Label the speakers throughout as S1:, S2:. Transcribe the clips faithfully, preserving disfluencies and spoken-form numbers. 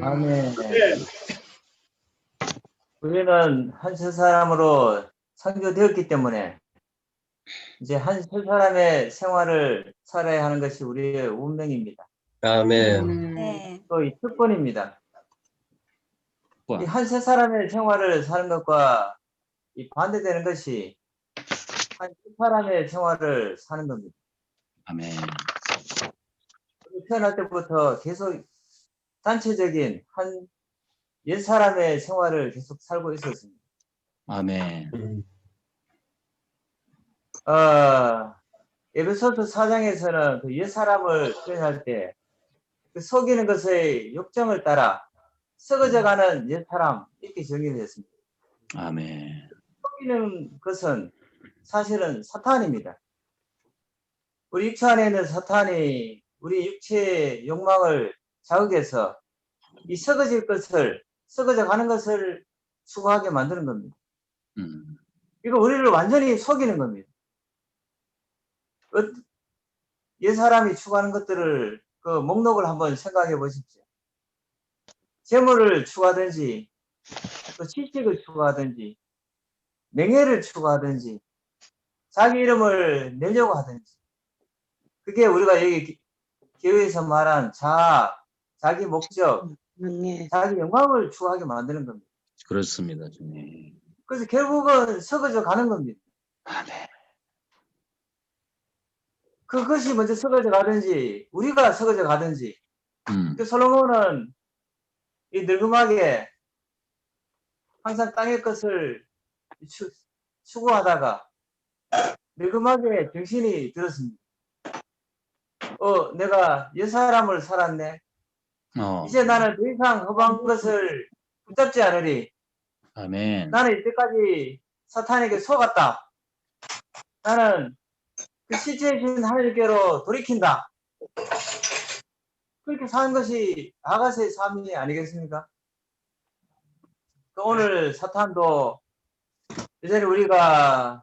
S1: 아멘. 우리는 한 세 사람으로 창조되었기 때문에 이제 한 세 사람의 생활을 살아야 하는 것이 우리의 운명입니다.
S2: 아멘.
S3: 네.
S1: 또 이 특권입니다.
S2: 와.
S1: 이 한 세 사람의 생활을 사는 것과 이 반대되는 것이 한 세 사람의 생활을 사는 겁니다.
S2: 아멘.
S1: 태어날 때부터 계속 단체적인 한 옛 사람의 생활을 계속 살고 있었습니다.
S2: 아멘.
S1: 어, 에베소서 사 장에서는 그 옛 사람을 표현할 때 그 속이는 것의 욕정을 따라 썩어져가는 옛 사람 이렇게 정의했습니다.
S2: 아멘.
S1: 속이는 것은 사실은 사탄입니다. 우리 육체 안에 있는 사탄이 우리 육체의 욕망을 자극해서 이 썩어질 것을 썩어져 가는 것을 추구하게 만드는 겁니다.
S2: 음.
S1: 이거 우리를 완전히 속이는 겁니다. 옛 사람이 추구하는 것들을 그 목록을 한번 생각해 보십시오. 재물을 추구하든지 또 지식을 추구하든지 명예를 추구하든지 자기 이름을 내려고 하든지 그게 우리가 여기 교회에서 말한 자아, 자기 목적,
S3: 네.
S1: 자기 영광을 추구하게 만드는 겁니다.
S2: 그렇습니다, 주님.
S1: 그래서 결국은 썩어져 가는 겁니다.
S2: 아멘.
S1: 그것이 먼저 썩어져 가든지 우리가 썩어져 가든지
S2: 음.
S1: 그 솔로몬은 이 늙음하게 항상 땅의 것을 추, 추구하다가 늙음하게 정신이 들었습니다. 어, 내가 옛 사람을 살았네.
S2: 어.
S1: 이제 나는 더 이상 허방 것을 붙잡지 않으리.
S2: 아멘.
S1: 나는 이때까지 사탄에게 속았다. 나는 그 실제이신 하나님께로 돌이킨다. 그렇게 사는 것이 아가서의 삶이 아니겠습니까? 또 오늘 사탄도 여전히 우리가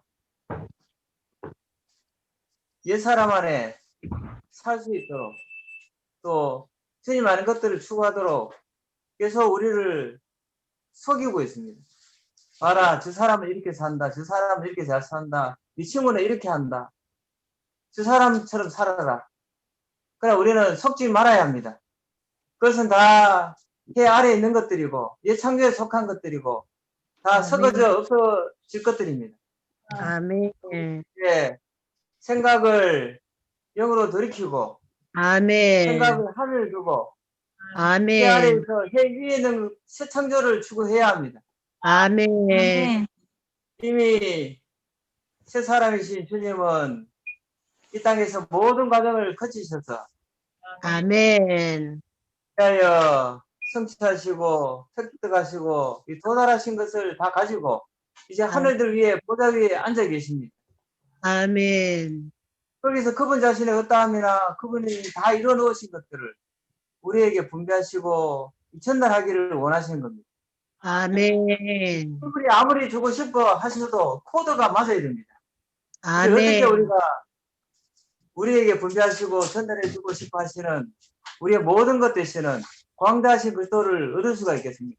S1: 옛사람 안에 살 수 있도록 또 주님 아는 것들을 추구하도록 계속 우리를 속이고 있습니다. 봐라, 저 사람은 이렇게 산다. 저 사람은 이렇게 잘 산다. 이 친구는 이렇게 한다. 저 사람처럼 살아라. 그러나 우리는 속지 말아야 합니다. 그것은 다 해 아래에 있는 것들이고 옛 창조에 속한 것들이고 다 썩어져 없어질 것들입니다.
S3: 아멘.
S1: 예, 생각을 영으로 돌이키고
S3: 아멘.
S1: 생각을 하늘 두고 해
S3: 아멘.
S1: 아래에서 해 위에 있는 새 창조를 추구해야 합니다.
S3: 아멘.
S1: 이미 새 사람이신 주님은 이 땅에서 모든 과정을 거치셔서
S3: 아멘.
S1: 위하여 성취하시고 획득하시고 이 도달하신 것을 다 가지고 이제 하늘들 위에 보좌 위에 앉아 계십니다.
S3: 아멘.
S1: 거기서 그분 자신의 어떠함이나 그분이 다 이뤄 놓으신 것들을 우리에게 분배하시고 전달하기를 원하시는 겁니다.
S3: 아멘.
S1: 그분이 아무리 주고 싶어 하셔도 코드가 맞아야 됩니다.
S3: 아멘.
S1: 어떻게 우리가 우리에게 분배하시고 전달해 주고 싶어 하시는 우리의 모든 것 되시는 광대하신 그리스도를 얻을 수가 있겠습니까?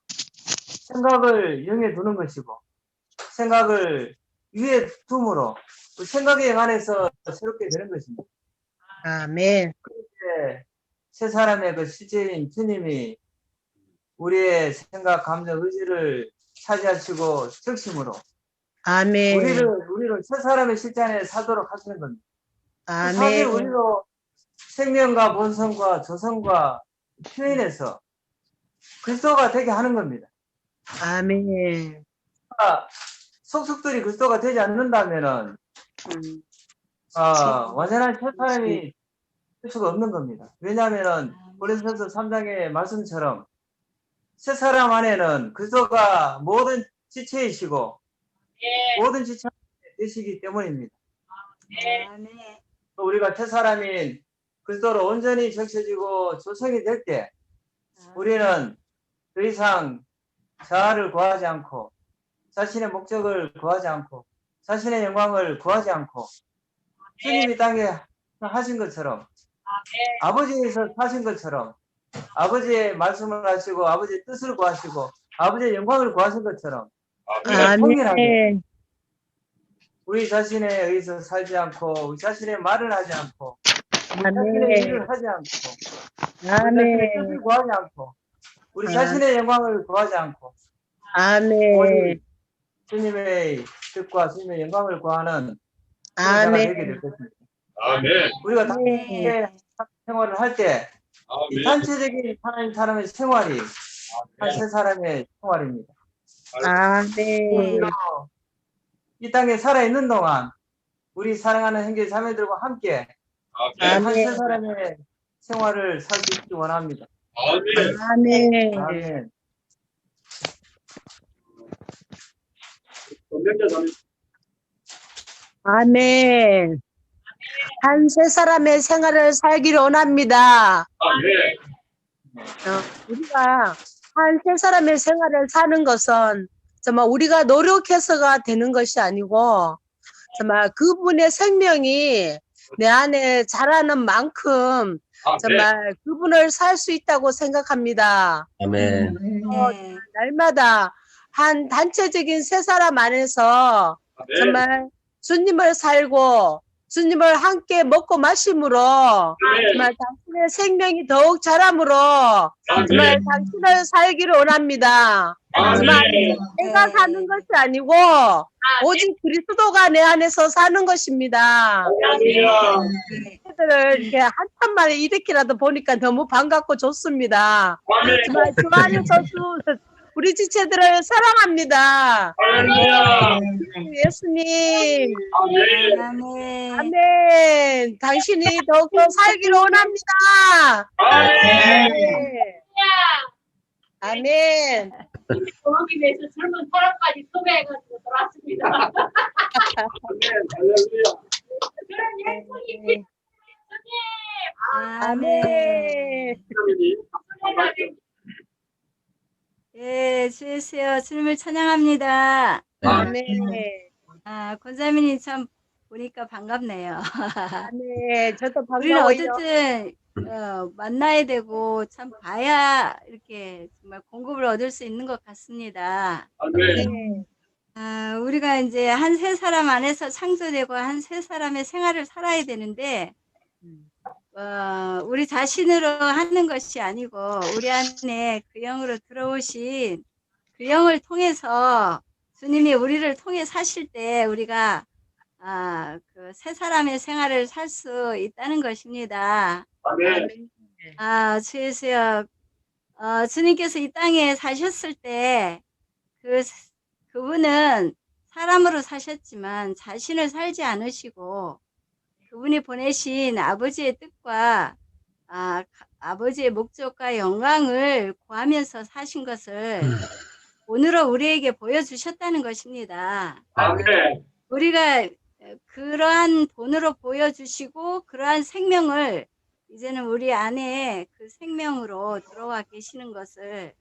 S1: 생각을 영에 두는 것이고 생각을 위에 둠으로 그 생각에 관해서 새롭게 되는 것입니다.
S3: 아멘.
S1: 그렇게 세 사람의 그 실제인 주님이 우리의 생각, 감정, 의지를 차지하시고 적심으로
S3: 아멘.
S1: 우리를 우리를 세 사람의 실제 안에 살도록 하시는 겁니다. 사실
S3: 아멘.
S1: 우리도 생명과 본성과 조성과 표현해서 그리스도가 되게 하는 겁니다.
S3: 아멘.
S1: 속속들이 그리스도가 되지 않는다면은
S3: 음.
S1: 어, 완전한 새 사람이 될 수가 없는 겁니다. 왜냐하면은 고린도서 삼 장의 말씀처럼 새 사람 안에는 그리스도가 모든 지체이시고 모든 지체 되시기 때문입니다. 또 우리가 새 사람인 그리스도로 온전히 적셔지고 조성이 될 때 우리는 더 이상 자아를 구하지 않고 자신의 목적을 구하지 않고 자신의 영광을 구하지 않고 주님이 땅에 하신 것처럼 아버지에서 사신 것처럼 아버지의 말씀을 하시고 아버지의 뜻을 구하시고 아버지의 영광을 구하신 것처럼 우리가 통일하게
S3: 아멘.
S1: 우리 자신에 의해서 살지 않고 우리 자신의 말을 하지 않고 우리 자신의
S3: 아멘.
S1: 일을 하지 않고 우리 자신의 뜻을
S3: 아멘.
S1: 구하지 않고 우리
S3: 아.
S1: 자신의 영광을 구하지 않고
S3: 아멘.
S1: 오직 주님의 뜻과 주님의 영광을 구하는 자가 되게 될
S3: 아멘.
S1: 것입니다.
S4: 아멘.
S1: 우리가
S3: 네.
S1: 단체 생활을 할 때 이
S4: 아멘.
S1: 단체적인 하나님 사람의 생활이 한 세 사람의 생활입니다.
S3: 아멘.
S1: 우리가 이 땅에 살아 있는 동안 우리 사랑하는 형제 자매들과 함께
S4: 아멘.
S1: 한 세
S3: 아멘.
S1: 사람의 생활을 살 수 있기 원합니다.
S4: 아멘.
S3: 아멘.
S1: 아멘.
S4: 권명자 자매.
S3: 아멘. 한 세 사람의 생활을 살기를 원합니다.
S4: 아멘.
S3: 어, 우리가 한 세 사람의 생활을 사는 것은 정말 우리가 노력해서가 되는 것이 아니고 정말 그분의 생명이 내 안에 자라는 만큼
S4: 아멘.
S3: 정말 그분을 살 수 있다고 생각합니다.
S2: 아멘.
S3: 어, 날마다 한 단체적인 세 사람 안에서
S4: 아멘.
S3: 정말 주님을 살고 주님을 함께 먹고 마심으로 정말 당신의 생명이 더욱 자람으로 정말
S4: 아멘.
S3: 당신을 살기를 원합니다. 정말
S4: 아멘.
S3: 내가 사는 것이 아니고 오직 그리스도가 내 안에서 사는 것입니다.
S4: 할렐루야.
S3: 애들을 이렇게 한참 만에 이렇게라도 보니까 너무 반갑고 좋습니다.
S4: 아멘.
S3: 정말 주 안에서 주- 우리 지체들을 사랑합니다.
S4: 할렐루야.
S3: 예수님,
S4: 아멘.
S5: 아멘.
S3: 아멘. 당신이 더욱더 살기를 원합니다.
S4: 아멘.
S3: 아멘.
S6: 돌아오기 위해서 젊은 사람까지 섭외해가지고 돌아왔습니다.
S4: 아멘. 할렐루야.
S6: 그런 예수님,
S3: 아멘.
S4: 하나님.
S6: 예수님,
S5: 예, 주 예수여, 주님을 찬양합니다.
S3: 아멘.
S5: 아, 권사민이 참 보니까 반갑네요.
S3: 아멘. 저도
S5: 우리는
S3: 반가워요.
S5: 어쨌든 어, 만나야 되고 참 봐야 이렇게 정말 공급을 얻을 수 있는 것 같습니다.
S4: 아멘.
S3: 네.
S5: 아, 우리가 이제 한 세 사람 안에서 창조되고 한 세 사람의 생활을 살아야 되는데 어, 우리 자신으로 하는 것이 아니고 우리 안에 그 영으로 들어오신 그 영을 통해서 주님이 우리를 통해 사실 때 우리가 아, 그 세 사람의 생활을 살 수 있다는 것입니다.
S4: 아멘.
S5: 아, 주 예수여, 어, 주님께서 이 땅에 사셨을 때 그 그분은 사람으로 사셨지만 자신을 살지 않으시고 그분이 보내신 아버지의 뜻과 아, 아버지의 목적과 영광을 구하면서 사신 것을 오늘은 우리에게 보여주셨다는 것입니다.
S4: 아멘.
S5: 우리가 그러한 본으로 보여주시고 그러한 생명을 이제는 우리 안에 그 생명으로 들어와 계시는 것을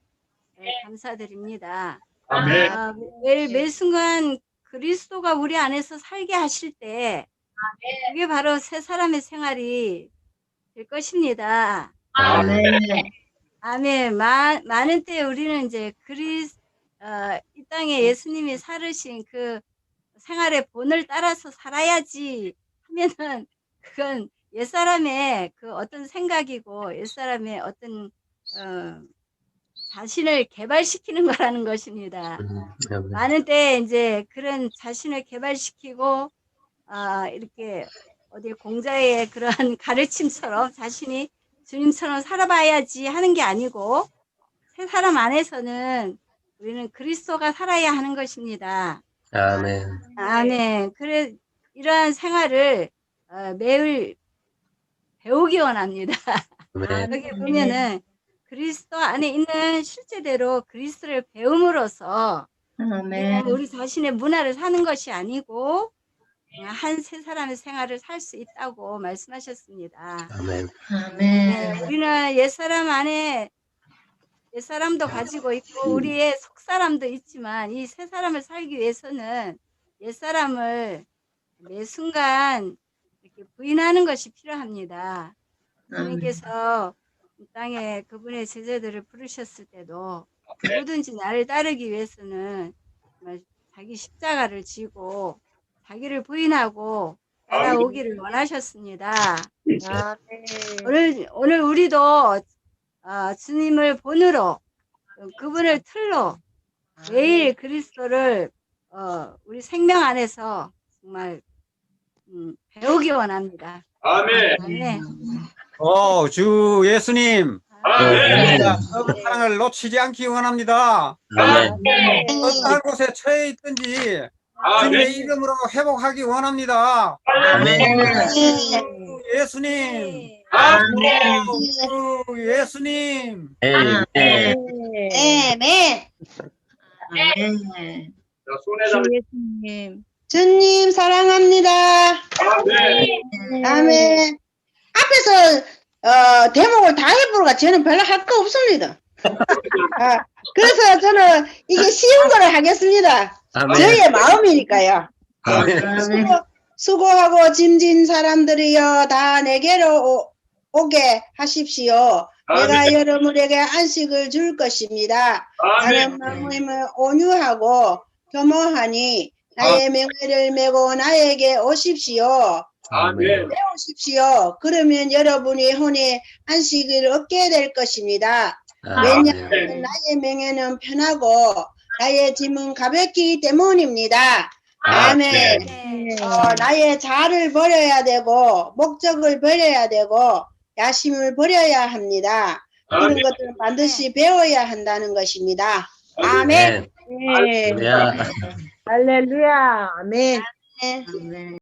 S5: 감사드립니다.
S4: 아멘.
S5: 아, 매, 매 순간 그리스도가 우리 안에서 살게 하실 때 그게 바로 새 사람의 생활이 될 것입니다.
S4: 아멘.
S5: 아멘. 마, 많은 때 우리는 이제 그리스 어, 이 땅에 예수님이 살으신 그 생활의 본을 따라서 살아야지 하면은 그건 옛사람의 그 어떤 생각이고 옛사람의 어떤 어, 자신을 개발시키는 거라는 것입니다. 많은 때 이제 그런 자신을 개발시키고 아, 이렇게 어디 공자의 그러한 가르침처럼 자신이 주님처럼 살아봐야지 하는 게 아니고 새 사람 안에서는 우리는 그리스도가 살아야 하는 것입니다.
S2: 아멘.
S5: 아멘. 그래 이러한 생활을 어, 매일 배우기 원합니다.
S2: 아멘.
S5: 여기 보면은 그리스도 안에 있는 실제대로 그리스도를 배움으로써
S3: 아멘.
S5: 우리 자신의 문화를 사는 것이 아니고 한 세 사람의 생활을 살 수 있다고 말씀하셨습니다.
S2: 아멘.
S5: 네, 우리는 옛사람 안에 옛사람도 가지고 있고 우리의 속사람도 있지만 이 새 사람을 살기 위해서는 옛사람을 매 순간 이렇게 부인하는 것이 필요합니다. 주님께서 이 땅에 그분의 제자들을 부르셨을 때도 누구든지 나를 따르기 위해서는 정말 자기 십자가를 지고 자기를 부인하고 따라오기를 원하셨습니다.
S3: 아멘.
S5: 오늘 오늘 우리도 어, 주님을 본으로 그분을 틀로 매일 그리스도를 어, 우리 생명 안에서 정말 음, 배우기 원합니다.
S4: 아멘.
S5: 아멘.
S7: 어, 주 예수님,
S4: 아멘.
S7: 진짜 서로 사랑을 놓치지 않기 원합니다.
S2: 아멘.
S7: 어떠한 곳에 처해 있든지 주님의
S4: 아멘.
S7: 이름으로 회복하기 원합니다.
S4: 아멘.
S7: 주 예수님,
S4: 아멘.
S7: 주 예수님.
S2: 아멘.
S8: 아멘.
S4: 자, 손에 잡
S3: 예수님.
S8: 주님 사랑합니다.
S4: 아멘.
S8: 아멘. 앞에서 어, 대목을 다 해보니까 저는 별로 할 거 없습니다. 아, 그래서 저는 이게 쉬운 거를 하겠습니다.
S2: 아멘.
S8: 저희의 마음이니까요.
S2: 아멘.
S8: 수고, 수고하고 짐진 사람들이여 다 내게로 오, 오게 하십시오. 내가 여러분에게 안식을 줄 것입니다. 나는 마음을 온유하고 겸허하니 나의 명예를 메고 나에게 오십시오.
S4: 아멘.
S8: 배우십시오. 그러면 여러분이 혼의 안식을 얻게 될 것입니다.
S2: 아멘.
S8: 왜냐하면 나의 명예는 편하고 나의 짐은 가볍기 때문입니다. 아멘.
S5: 네.
S8: 어, 나의 자아를 버려야 되고 목적을 버려야 되고 야심을 버려야 합니다. 그런
S4: 아멘.
S8: 것들은 반드시 배워야 한다는 것입니다. 아멘.
S2: 네. 할렐루야.
S3: 할렐루야. 아멘.
S8: 네.